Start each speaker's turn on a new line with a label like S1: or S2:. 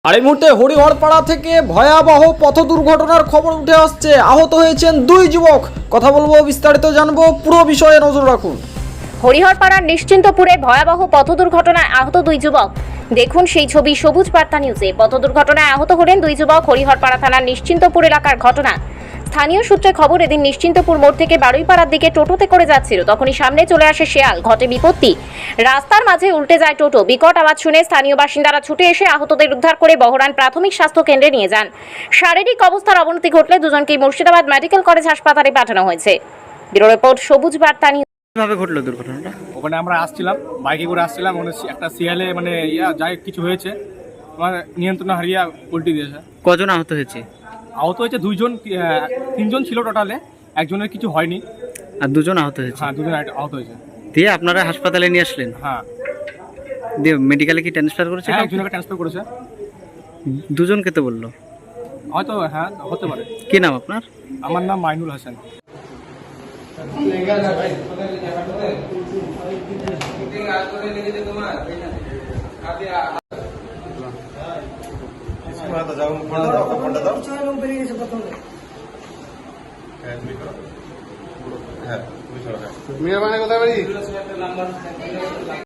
S1: আর এই মুহূর্তে হরিহরপাড়া থেকে ভয়াবহ পথ দুর্ঘটনার খবর উঠে আসছে। আহত হয়েছেন দুই যুবক। কথা বলবো, বিস্তারিত জানবো, পুরো বিষয়ে নজর রাখুন।
S2: হরিহরপাড়ার নিশ্চিন্তপুরে ভয়াবহ পথ দুর্ঘটনায় আহত দুই যুবক। দেখুন সেই ছবি সবুজ বার্তা নিউজে। পথ দুর্ঘটনায় আহত হলেন দুই যুবক। হরিহরপাড়া থানার নিশ্চিন্তপুর এলাকার ঘটনা। স্থানীয় সূত্রে খবর, এদিন নিশ্চিন্তপুর মোড় থেকে বারুইপাড়ার দিকে টোটোতে করে যাচ্ছিল, তখনই সামনে চলে আসে শেয়াল। ঘটে বিপত্তি, রাস্তার মাঝে উল্টে যায় টোটো। বিকট আওয়াজ শুনে স্থানীয় বাসিন্দারা ছুটে এসে আহতদের উদ্ধার করে বহরান প্রাথমিক স্বাস্থ্য কেন্দ্রে নিয়ে যান। শারীরিক অবস্থার অবনতি ঘটলে দুজনকেই মুর্শিদাবাদ মেডিকেল কলেজ হাসপাতালে পাঠানো হয়েছে। ব্যুরো রিপোর্ট, সবুজ বার্তা নিউজ।
S3: কিভাবে ঘটলো দুর্ঘটনাটা?
S4: ওখানে আমরা আসছিলাম, বাইকে করে আসছিলাম, ওখানে একটা শিয়ালে যাই কিছু হয়েছে, আমার নিয়ন্ত্রণ হারিয়ে উল্টে দিয়েছে।
S3: কজন আহত হয়েছে?
S4: আহত হয়েছে দুইজন, তিনজন ছিল টোটালে, একজনের কিছু হয়নি।
S3: আর দুজন আহত হয়েছে?
S4: হ্যাঁ, দুজন আহত হয়েছে।
S3: দিয়ে আপনারা হাসপাতালে নিয়ে আসলেন?
S4: হ্যাঁ।
S3: দিয়ে মেডিকেলে কি ট্রান্সফার করেছে?
S4: হ্যাঁ, একজনকে ট্রান্সফার করেছে।
S3: দুজনকে তো বললো।
S4: হয়তো হ্যাঁ, হতে পারে।
S3: কি নাম আপনার?
S4: আমার নাম মাইনুল হাসান।
S5: মেয়ের মানে কোথায় বাড়ি?